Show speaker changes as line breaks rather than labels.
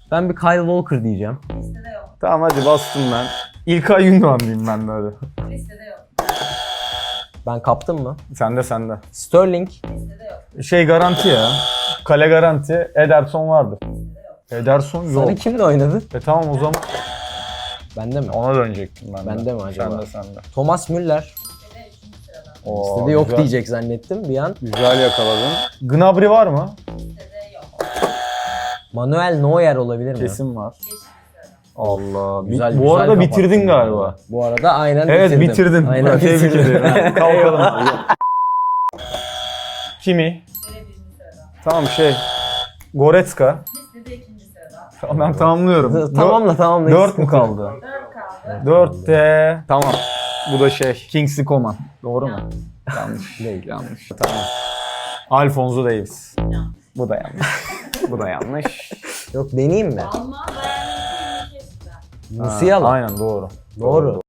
Ben bir Kyle Walker diyeceğim.
Listede yok.
Tamam hadi bastım ben. İlkay Gündoğan diyeyim ben de hadi.
Listede yok.
Ben kaptım mı?
Sende.
Sterling.
Listede yok.
Şey garanti ya. Kale garanti. Ederson vardır. Ederson yok.
Sarı kimle oynadı?
Tamam o zaman
Bende mi?
ona dönecektim ben de.
Bende mi acaba?
Sende.
Thomas Müller.
Listede 3. sırada.
Oo,
Listede yok
güzel.
diyecek zannettim bir an.
Güzel yakaladın. Gnabry var mı?
Listede yok.
Manuel Neuer olabilir mi?
Kesin var.
5. sırada.
Allah.
Güzel,
Bu arada
güzel
bitirdin
kapattın
galiba.
Bu arada aynen
Evet bitirdin.
Aynen
Tebrik
bitirdim.
ederim. Kalkalım abi. Kimi?
Listede 1. sırada.
Tamam Goretzka.
Listede 2. sırada.
Tamam ben tamamlıyorum.
Tamamla.
4 mu kaldı?
4 kaldı.
4'te. Tamam. Bu da Kingsley Coman. Doğru mu? Yanlış.
Değil.
Yanlış. Tamam. Alphonso Davies.
Yanlış.
Bu da yanlış. Bu da yanlış.
Yok deneyeyim mi?
Alman Bayern Münih'in ülkesinden.
Musiala.
Aynen doğru.
Doğru.